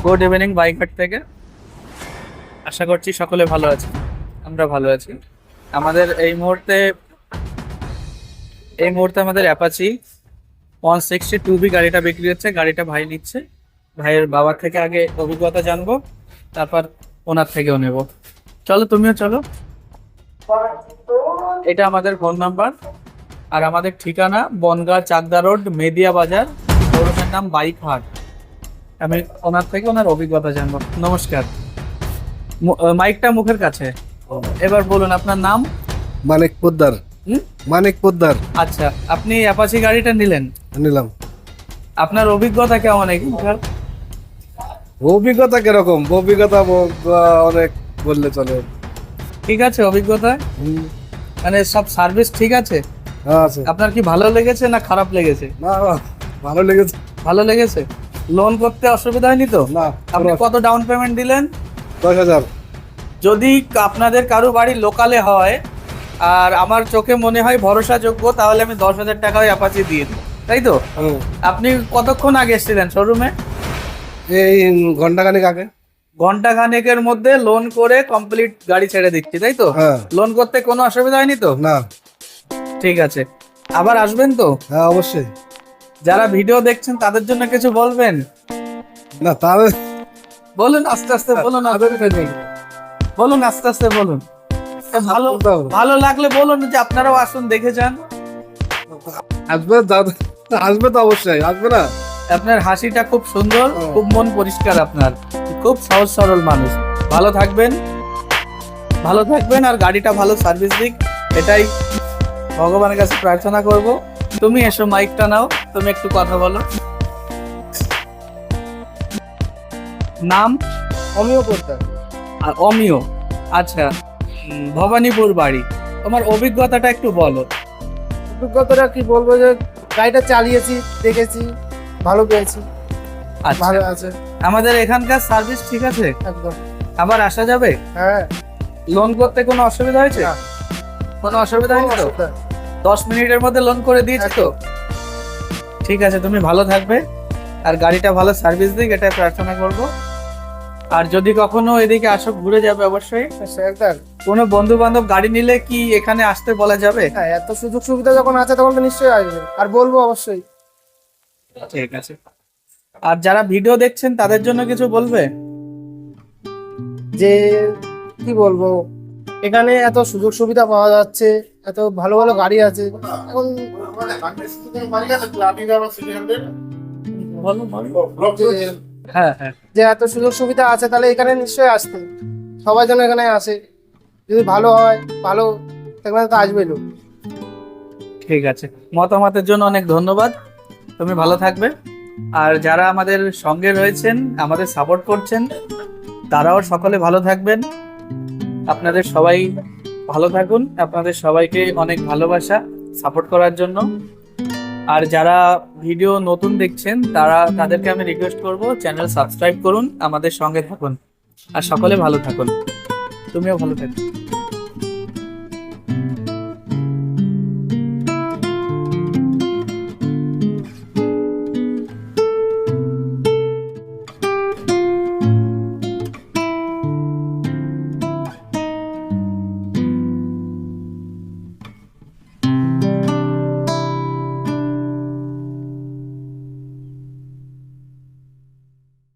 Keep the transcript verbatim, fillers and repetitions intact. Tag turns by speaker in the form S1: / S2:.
S1: Good evening বাইকহাট থেকে। আশা করছি সকলে ভালো আছে, আমরা ভালো আছি। আমাদের এই মুহূর্তে এই মুহূর্তে আমাদের Apache one sixty two B গাড়িটা বিক্রি হচ্ছে। গাড়িটা ভাই নিচ্ছে। ভাইয়ের বাবার থেকে আগে অভিজ্ঞতা জানবো, তারপর ওনার থেকেও নেব। চলো, তুমিও চলো। এটা আমাদের ফোন নাম্বার, আর আমাদের ঠিকানা বনগাঁ চাকদা রোড, মেদিয়া বাজার, শোরুমের নাম বাইকহাট। আমি ওনার থেকে ওনার অভিজ্ঞতা জানবো। নমস্কার। মু- আহ, মাইকটা মুখের কাছে। এবার বলুন আপনার নাম।
S2: মানিক পোদ্দার।
S1: হুম?
S2: মানিক পোদ্দার
S1: আচ্ছা, আপনি অ্যাপাচি গাড়িটা নিলেন,
S2: নিলাম।
S1: আপনার অভিজ্ঞতা কেমন এখানকার?
S2: অভিজ্ঞতা কিরকম? অভিজ্ঞতা ব- বা- অনেক বললে চলে।
S1: ঠিক আছে অভিজ্ঞতা,
S2: হুম,
S1: মানে সব সার্ভিস ঠিক আছে?
S2: হ্যাঁ, আছে।
S1: আপনার কি ভালো লেগেছে না খারাপ লেগেছে?
S2: না, না, ভালো লেগেছে।
S1: ভালো লেগেছে। লোন করতে অসুবিধা হয়নি তো?
S2: না,
S1: আপনি
S2: কোনো-
S1: কত ডাউন পেমেন্ট দিলেন?
S2: দশ হাজার।
S1: যদি আপনাদের কারো বাড়ি লোকালে হয় আর আমার চোখে মনে হয় ভরসাযোগ্য, তাহলে আমি দশ হাজার টাকায় অ্যাপাচি দিয়ে দিই, তাই তো?
S2: হুম,
S1: আপনি কতক্ষণ আগে এসেছিলেন শোরুমে?
S2: এই ঘন্টাখানেক আগে।
S1: ঘন্টা খানেকের মধ্যে লোন করে কমপ্লিট গাড়ি ছেড়ে দিচ্ছি, তাই তো?
S2: হ্যাঁ।
S1: লোন করতে কোনো অসুবিধা হয়নি তো?
S2: না।
S1: ঠিক আছে। আবার আসবেন তো?
S2: হ্যাঁ, অবশ্যই।
S1: যারা ভিডিও দেখছেন তাদের জন্য কিছু বলবেন?
S2: না, তাহলে
S1: বলুন আস্তে আস্তে বলুন, অসুবিধা নেই। বলুন আস্তে আস্তে বলুন। এ ভালো
S2: বলতে হবে।
S1: ভালো লাগলে বলুন যে আপনারাও আসুন, দেখে যান।
S2: আসবে, যা- আসবে তো অবশ্যই, আসবে না।
S1: আপনার হাসিটা খুব সুন্দর,
S2: ও।
S1: খুব মন পরিষ্কার আপনার, খুব সহজ সরল মানুষ। ভালো থাকবেন, ভালো থাকবেন, আর গাড়িটা ভালো সার্ভিস দিক, এটাই ভগবানের কাছে প্রার্থনা করব। তুমি এসো, মাইকটা নাও, তুমি একটু কথা বলো। নাম?
S2: আমিও করতাম।
S1: আর অমিয়। আচ্ছা, উম, ভবানীপুর বাড়ি। তোমার অভিজ্ঞতাটা একটু বলো।
S2: অভিজ্ঞতাটা কি বলবো, যে গাড়িটা চালিয়েছি, দেখেছি, ভালো পেয়েছি,
S1: আচ্ছা,
S2: ভালো আছে
S1: আমাদের এখানকার সার্ভিস ঠিক আছে?
S2: একদম।
S1: আবার আসা যাবে?
S2: হ্যাঁ।
S1: লোন করতে কোনো অসুবিধা হয়েছে?
S2: না।
S1: কোনো অসুবিধা হয়নি তো? দশ মিনিটের মধ্যে লোন করে দিয়েছে তো? ঠিক আছে, তুমি ভালো থাকবে, আর গাড়িটা ভালো সার্ভিস দিক, এটা প্রার্থনা করব। আর যদি কখনো এদিকে আসো, ঘুরে যাবে অবশ্যই।
S2: একদম।
S1: কোনো বন্ধু বান্ধব গাড়ি নিলে কি এখানে আসতে বলা যাবে?
S2: হ্যাঁ, এত সুযোগ সুবিধা যখন আছে তখন তো নিশ্চয়ই আসবে, আর বলবো অবশ্যই।
S1: ঠিক আছে। আর যারা ভিডিও দেখছেন তাদের জন্য কিছু বলবে?
S2: যে কি বলবো, এখানে এত সুযোগ সুবিধা পাওয়া যাচ্ছে, এত ভালো ভালো গাড়ি আছে এখন।
S1: বলো বলো।
S2: যে-
S1: হ্যাঁ হ্যাঁ,
S2: যে এত সুযোগ সুবিধা আছে, তাহলে এখানে নিশ্চয়ই আসতে সবাই যেন এখানে আসে। যদি ভালো হয়, ভালো এখানে তো আসবে লোক।
S1: ঠিক আছে। মতামতের জন্য অনেক ধন্যবাদ। তুমি ভালো থাকবে। আর যারা আমাদের সঙ্গে রয়েছেন, আমাদের সাপোর্ট করছেন, তারাও সকলে ভালো থাকবেন। আপনাদের সবাই ভালো থাকুন। আপনাদের সবাইকে অনেক ভালোবাসা সাপোর্ট করার জন্য। আর যারা ভিডিও নতুন দেখছেন, তারা তাদেরকে আমি রিকোয়েস্ট করব, চ্যানেল সাবস্ক্রাইব করুন, আমাদের সঙ্গে থাকুন, আর সকলে ভালো থাকুন। তুমিও ভালো থাকো।